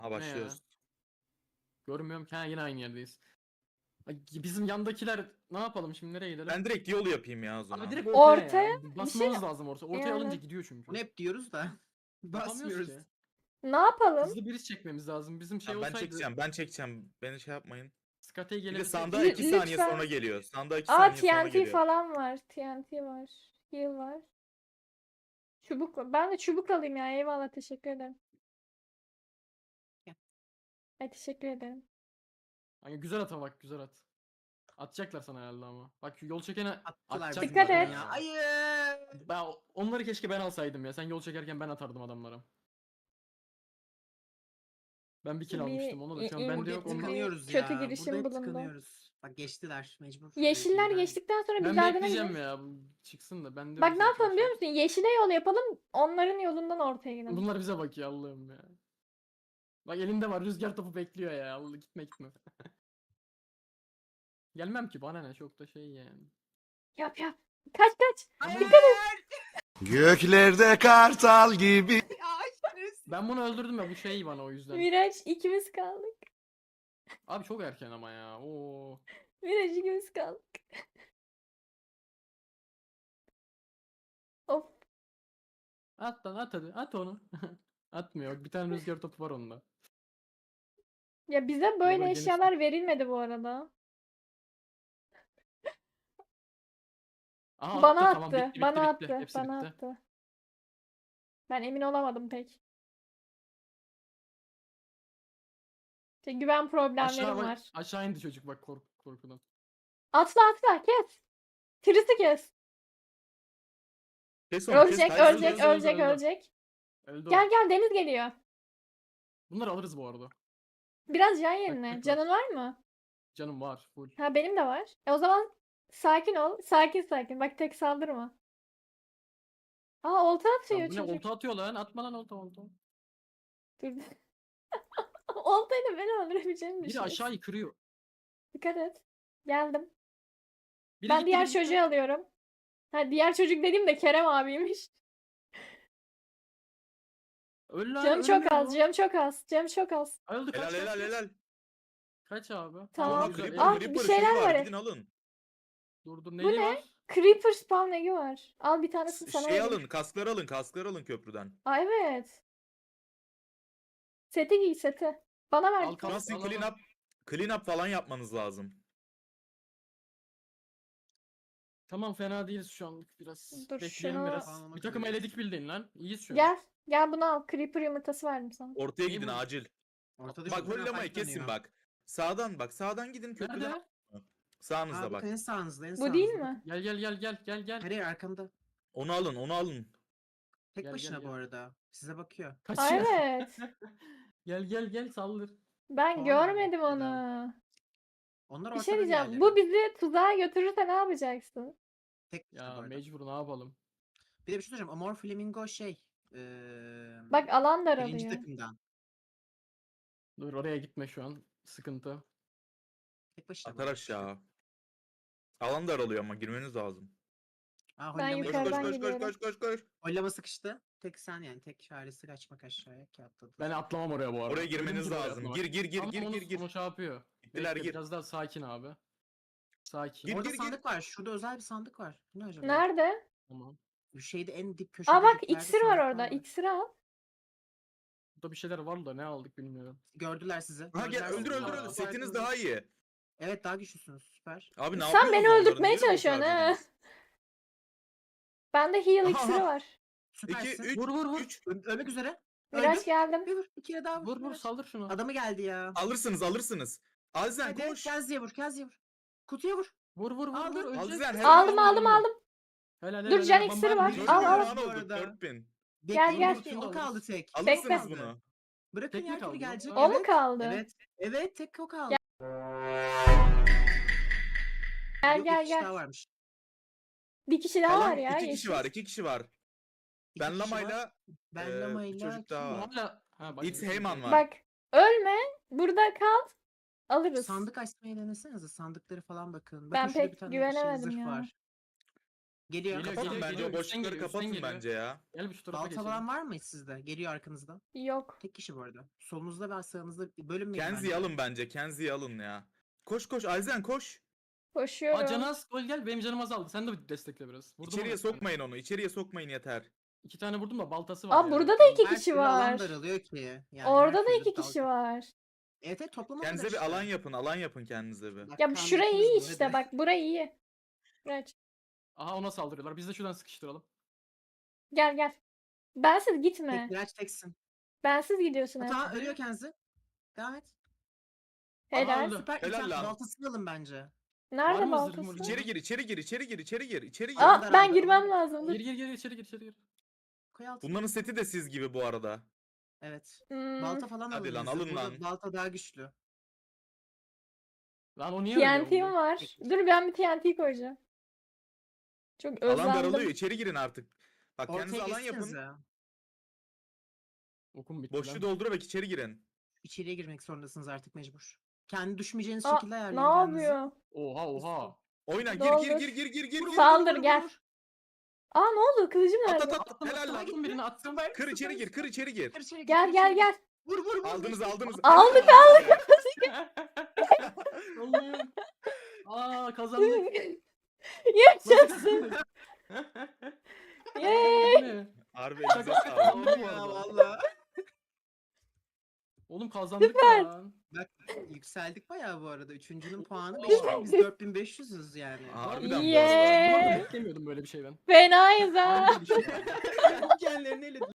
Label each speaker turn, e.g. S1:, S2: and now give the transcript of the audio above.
S1: Ha
S2: Ne ya?
S1: başlıyoruz.
S2: Görmüyorum ki. Ha, yine aynı yerdeyiz. Ay, bizim yandakiler ne yapalım şimdi, nereye gidelim?
S1: Ben direkt yol yapayım ya o
S2: Abi
S1: zaman.
S2: direkt ortaya
S3: Ortaya
S2: ya. Basmamız lazım ortaya. Ortaya
S3: yani.
S2: alınca gidiyor çünkü.
S4: Bunu hep diyoruz da
S2: Yapamıyoruz
S4: basmıyoruz.
S2: ki.
S3: Ne yapalım?
S2: Hızlı biriz çekmemiz lazım. Bizim şey
S1: Tamam, ben
S2: olsaydı
S1: çekeceğim. Ben çekeceğim. Beni şey yapmayın.
S2: Skateye
S1: Bir de
S2: gelebilsek.
S1: sandığa 2 saniye
S3: Lütfen.
S1: sonra geliyor. Sandığa 2
S3: Aa
S1: saniye sonra
S3: TNT
S1: geliyor.
S3: falan var. TNT var. Heal var. Çubuk var. Ben de çubuk alayım ya. Eyvallah, teşekkür ederim.
S4: Gel.
S3: Teşekkür ederim.
S2: Hani güzel at ama bak, güzel at. Atacaklar sana herhalde ama. Bak yol çekene
S4: Attılar
S2: atacaklar
S3: Dikkat
S4: bizimkini
S3: et.
S4: ya. Hayır.
S2: Ben onları keşke ben alsaydım ya. Sen yol çekerken ben atardım adamlara. Ben bir kill
S3: Bir
S2: almıştım onu da şu an
S3: in-
S2: bende
S4: Burada
S2: yok.
S4: hep
S2: Onu...
S4: tıkanıyoruz
S3: kötü
S4: ya. Burada
S3: girişim
S4: hep
S3: bulundu.
S4: tıkanıyoruz. Bak geçtiler mecbur.
S3: Yeşiller
S4: Yeşiller.
S3: geçtikten sonra
S2: Ben
S3: bir daha
S2: bekleyeceğim
S3: denemeyiz.
S2: ya. Bu çıksın da bende
S3: Bak
S2: yok
S3: ne
S2: zaten
S3: yapalım
S2: şu
S3: biliyor
S2: an.
S3: musun? Yeşile yol yapalım. Onların yolundan ortaya gidelim.
S2: Bunlar bize bakıyor Allah'ım ya. Bak elinde var, rüzgar topu bekliyor ya. Allah, gitme gitme. Gelmem ki, bana ne, çok da şey yani.
S3: Yap yap. Kaç kaç.
S4: Hayır.
S5: Göklerde kartal gibi.
S4: Aşırı.
S2: Ben bunu öldürdüm ya, bu şey bana o yüzden.
S3: Miraç ikimiz kaldık.
S2: Abi çok erken ama ya. Oo.
S3: Miraç ikimiz kaldık. Of.
S2: At lan, at hadi. At onu. Atmıyor. Bir tane rüzgar topu var onda.
S3: Ya bize
S2: Burada
S3: böyle
S2: geniş-
S3: eşyalar verilmedi bu arada.
S2: Aha,
S3: Bana
S2: attı,
S3: attı.
S2: tamam, bitti, bitti,
S3: Bana
S2: bitti.
S3: attı.
S2: Hepsi
S3: Bana
S2: bitti.
S3: attı. Ben emin olamadım pek. İşte güven problemlerim var.
S2: Aşağı indi çocuk bak, korkudan.
S3: Atla atla kes. Trisi kes.
S1: Kes onu, kes.
S3: Ölecek,
S1: Hayır,
S3: ölecek,
S2: öldü,
S3: ölecek,
S2: öldü.
S3: ölecek.
S2: Öldü o.
S3: Gel gel, Deniz geliyor.
S2: Bunları alırız bu arada.
S3: Biraz can yerine.
S2: Taktik var.
S3: Canın var mı?
S2: Canım var full.
S3: Ha benim de var. O zaman sakin ol. Sakin sakin. Bak tek saldırma. Aa olta
S2: Lan
S3: atıyor
S2: bu ne,
S3: çocuk.
S2: olta atıyor lan. Atma lan olta.
S3: Dur. Oltayla beni öldürebileceğimi
S2: Biri
S3: düşünüyorsun.
S2: aşağıyı kırıyor.
S3: Dikkat et. Geldim.
S2: Biri
S3: Ben
S2: gitti,
S3: diğer
S2: biri gitti.
S3: çocuğu alıyorum. Ha diğer çocuk dediğim de Kerem abiymiş.
S2: Öl lan,
S3: Canım çok
S2: ölmüyor
S3: az,
S2: bu.
S3: canım çok az, canım çok az.
S2: Öldü, kaç
S1: Helal
S2: kaç
S1: helal
S2: kaç.
S1: helal.
S2: Kaç abi?
S3: Tamam.
S1: Oha,
S2: güzel.
S1: Creeper,
S3: Ah, bir
S1: Creeper
S3: şeyler
S1: şeyi
S3: var.
S1: var. Gidin alın.
S2: Dur
S3: Bu
S2: neyi
S3: ne?
S2: var?
S3: Creeper spawn egg'i var. Al bir tanesini sana
S1: Şey
S3: vereyim.
S1: alın, kaskları alın köprüden.
S3: Aa evet. Seti giy seti. Bana ver.
S2: Al,
S1: Şu an
S2: kask,
S1: sizin
S2: al, al.
S1: clean up falan yapmanız lazım.
S2: Tamam, fena değiliz şu an biraz.
S3: Dur,
S2: Bekleyelim
S3: şunu-
S2: biraz.
S4: Anlamak
S2: Bir takım
S4: üzereyiz.
S2: eledik bildiğin lan. İyiyiz şu an.
S3: Gel. Gel bunu al. Creeper yumurtası verdim sana.
S1: Ortaya
S2: Neyi
S1: gidin
S2: bu?
S1: acil.
S4: Ortada
S1: Bak
S4: çok fena
S1: hollamayı
S4: fight
S1: kesin
S4: dönüyor.
S1: bak. Sağdan gidin köprüden.
S2: Nerede?
S1: Sağınızda
S4: Aa,
S1: bak.
S4: bakın en sağınızda en
S3: Bu
S4: sağınızda.
S3: değil mi?
S2: Gel.
S4: Hayır arkamda.
S1: Onu alın.
S4: Tek
S2: Gel,
S4: başına
S2: gel,
S4: bu
S2: gel.
S4: arada. Size bakıyor.
S3: Aa,
S2: Kaçıyor.
S3: evet.
S2: Gel saldır.
S3: Ben
S4: Tamam,
S3: görmedim
S4: hadi.
S3: onu.
S4: Onlar
S3: Bir
S4: ortada
S3: şey diyeceğim.
S4: diğerleri.
S3: Bu bizi tuzağa götürürse ne yapacaksın?
S4: Tek başına bu
S2: Ya
S4: arada.
S2: mecbur, ne yapalım?
S4: Bir de bir şey söyleyeceğim. Amor Flamingo şey.
S3: Bak alan
S4: birinci
S3: daralıyor.
S4: takımdan.
S2: Dur, oraya gitme şu an. Sıkıntı.
S4: Tek başına.
S1: Atar aşağı. Alan daralıyor ama girmeniz lazım.
S4: Aa,
S3: Ben
S4: hollama,
S1: Koş
S3: yukarıdan
S1: koş
S3: gidiyorum.
S1: koş.
S4: hollama sıkıştı. Tek sen yani. Tek çaresi kaçmak aşağıya ki atladı.
S2: Ben atlamam oraya bu arada.
S1: Oraya girmeniz
S2: Ölümcül oraya
S1: lazım.
S2: atlamak.
S1: Gir
S2: Tamam,
S1: gir.
S2: Onu şey yapıyor.
S1: Gittiler,
S2: Bekle,
S1: gir.
S2: biraz daha sakin abi. Sakin.
S1: Gir,
S4: Orada
S1: gir.
S4: sandık var. Şurada özel bir sandık var. Ne acaba?
S3: Nerede?
S2: Tamam.
S4: Bu şeyde en dip köşede.
S3: Aa bak
S4: diplerde
S3: iksir var
S4: sandıklar
S3: orada. İksiri al.
S2: Burada bir şeyler var da ne aldık bilmiyorum.
S4: Gördüler sizi.
S1: Ha gel,
S4: Gördüler sizi.
S2: öldür.
S1: Setiniz daha iyi.
S4: Evet daha güçlüsünüz. Süper.
S1: Abi ne
S3: Sen
S1: yapıyorsunuz
S3: beni
S1: onları?
S3: öldürtmeye
S1: Niye öyle
S3: çalışıyorsun ha.
S1: harcadınız?
S3: Bende heal
S1: Aha,
S3: iksiri
S1: aha.
S3: var.
S1: 2
S4: Süpersin.
S1: 3
S2: Vur.
S1: 3
S4: Ölmek üzere.
S3: Miraç
S1: Öldüm.
S3: geldim.
S4: Bir vur. Bir kere daha vur.
S2: Vur
S4: Miraç.
S2: saldır şunu.
S4: Adamı geldi ya.
S1: alırsınız. Azzen
S4: Hadi
S1: koş.
S4: Kazı'ya vur.
S3: Kutuya vur.
S2: Vur
S4: Aldın.
S2: ölecek.
S1: Azzen
S3: Aldım aldım.
S2: Helal,
S3: Dur, can
S2: Ben
S3: iksiri
S2: bari
S3: var.
S2: bir
S1: Dört
S2: şey
S3: Al,
S1: bin
S3: al.
S1: puan
S4: Bu
S1: olduk,
S4: arada.
S1: 4000.
S3: Gel, gel.
S4: Bekleyin,
S2: Şunu da
S4: o kaldı
S2: alırız.
S4: tek.
S1: Alırsınız
S3: Bekle.
S1: bunu.
S4: Bırakın
S2: Tek mi
S4: ya
S2: kaldı
S4: gibi gelecek.
S3: O mu
S4: Evet.
S3: kaldı?
S4: Evet. Evet tek o kaldı.
S3: Gel
S4: Yok,
S3: gel
S4: iki kişi daha
S3: gel.
S4: varmış.
S3: Bir kişi daha
S1: Kalan
S3: var ya.
S1: 2 kişi
S3: yeşil.
S1: var, 2 kişi var.
S4: İki
S1: Ben
S4: kişi var.
S1: Lama'yla
S4: Ben
S1: bir
S4: Lama'yla
S1: çocuk
S4: kim
S1: daha
S4: var?
S1: var.
S2: Hala... Ha, bak,
S1: It's Heyman var.
S3: Bak ölme. Burada kal. Alırız.
S4: Sandık açmayı denesenize. Sandıkları falan bakın. Bakın
S3: Ben
S4: şurada
S3: pek
S4: bir tane
S3: güvenemedim
S4: zırh
S3: ya.
S4: var. Geliyor.
S2: Geliyor,
S1: Kapatın
S2: geliyor,
S1: bence
S2: geliyor.
S1: o boşlukları
S2: Üstten
S1: kapatın
S2: geliyor.
S1: bence ya.
S2: Gel bir şu tarafa
S4: Balta
S2: geçelim.
S4: falan var mı sizde? Geliyor arkanızdan.
S3: Yok.
S4: Tek kişi bu arada. Solunuzda ve sağınızda bölünmeyin
S1: Kenzie'yi
S4: bence.
S1: alın bence. Kenzie'yi alın ya. Koş koş Alzen koş.
S3: Koşuyorum.
S2: Aa Canaz gel benim canım azaldı. Sen de destekle biraz. Vurdum
S1: İçeriye
S2: ona bir tane.
S1: sokmayın onu. İçeriye sokmayın yeter.
S2: 2 tane vurdum da baltası var
S3: Aa
S2: ya.
S3: burada da iki
S4: Her
S3: kişi
S4: türlü alan
S3: var.
S4: daralıyor ki. Yani
S3: Orada
S4: her
S3: da
S4: türlü
S3: iki kişi
S4: dalga.
S3: var.
S4: Evet evet toplama
S1: Kendinize
S4: kadar
S1: bir alan
S4: işte.
S1: yapın. Alan yapın kendinize bir.
S4: Bak,
S3: Ya şurayı iyi
S4: kandırdınız
S3: işte
S4: hadi.
S3: bak burayı iyi. Kaç.
S2: Aha ona saldırıyorlar. Biz de şuradan sıkıştıralım.
S3: Gel gel. Bensiz gitme.
S4: Tek direnç teksin.
S3: Bensiz gidiyorsun hep.
S4: Hata ölüyor Kenzi. Devam et.
S3: Helal.
S2: öldü.
S4: Süper.
S1: Helal
S4: İlker
S1: lan.
S4: baltasını alın bence.
S2: Var
S3: Nerede
S2: mı zırhım
S3: baltası?
S2: orada?
S1: İçeri gir, içeri gir, içeri gir, içeri gir, içeri gir.
S3: Aa ben
S4: daraldı.
S3: girmem lazım. Dur.
S2: Gir içeri gir içeri gir.
S4: Koy altına.
S1: Bunların seti de siz gibi bu arada.
S4: Evet.
S3: Hmm,
S4: Balta falan
S1: Hadi
S4: alın.
S1: lan,
S4: Kenzi.
S1: alın
S4: Burada
S1: lan.
S4: balta daha güçlü.
S2: Lan o niye ölüyor?
S3: TNT'm var. Dur ben bir TNT koyacağım. Çok
S1: Alan daralıyor.
S3: özlendim.
S1: İçeri girin artık. Bak kendinize
S4: Ortaya
S1: alan yapın.
S4: geçsenize.
S2: Okum bitti
S1: Boşluğu
S2: lan.
S1: doldurarak içeri girin.
S4: İçeriye girmek zorundasınız artık mecbur. Kendi düşmeyeceğiniz
S3: Aa,
S4: şekilde
S3: ne
S4: ayarlayın kendinizi.
S3: yapıyor?
S2: Oha oha.
S1: Oyna gir
S3: Doldur.
S1: gir gir gir gir gir. gir.
S3: Saldır gel. Aa ne oldu? Kılıcım
S1: At
S3: nerede?
S1: at at. Helal lan.
S2: Attım birini attım.
S1: Kır içeri gir, kır içeri gir.
S4: Kır içeri gir,
S3: Gel
S4: kır
S3: gel
S4: içeri gir.
S3: gel.
S4: Vur vur vur.
S1: Aldınız aldınız.
S3: Aldık,
S2: Allah'ım. Aa kazandık.
S3: Yaşasın. Yay.
S2: Bu ne?
S1: Harbi elinize sağlık.
S2: Kazandık bu
S4: Ya
S2: arada.
S4: valla.
S2: Oğlum kazandık lan.
S4: Bak yükseldik bayağı bu arada. Üçüncünün puanı
S2: Oo.
S4: 5000, biz 4500'üz yani.
S1: Harbiden bu
S3: Yeah.
S1: arada.
S2: Bu arada beklemiyordum böyle bir şeyden.
S3: Fenayız ha.
S2: Harbi bir şey.
S4: Kendilerini elediler.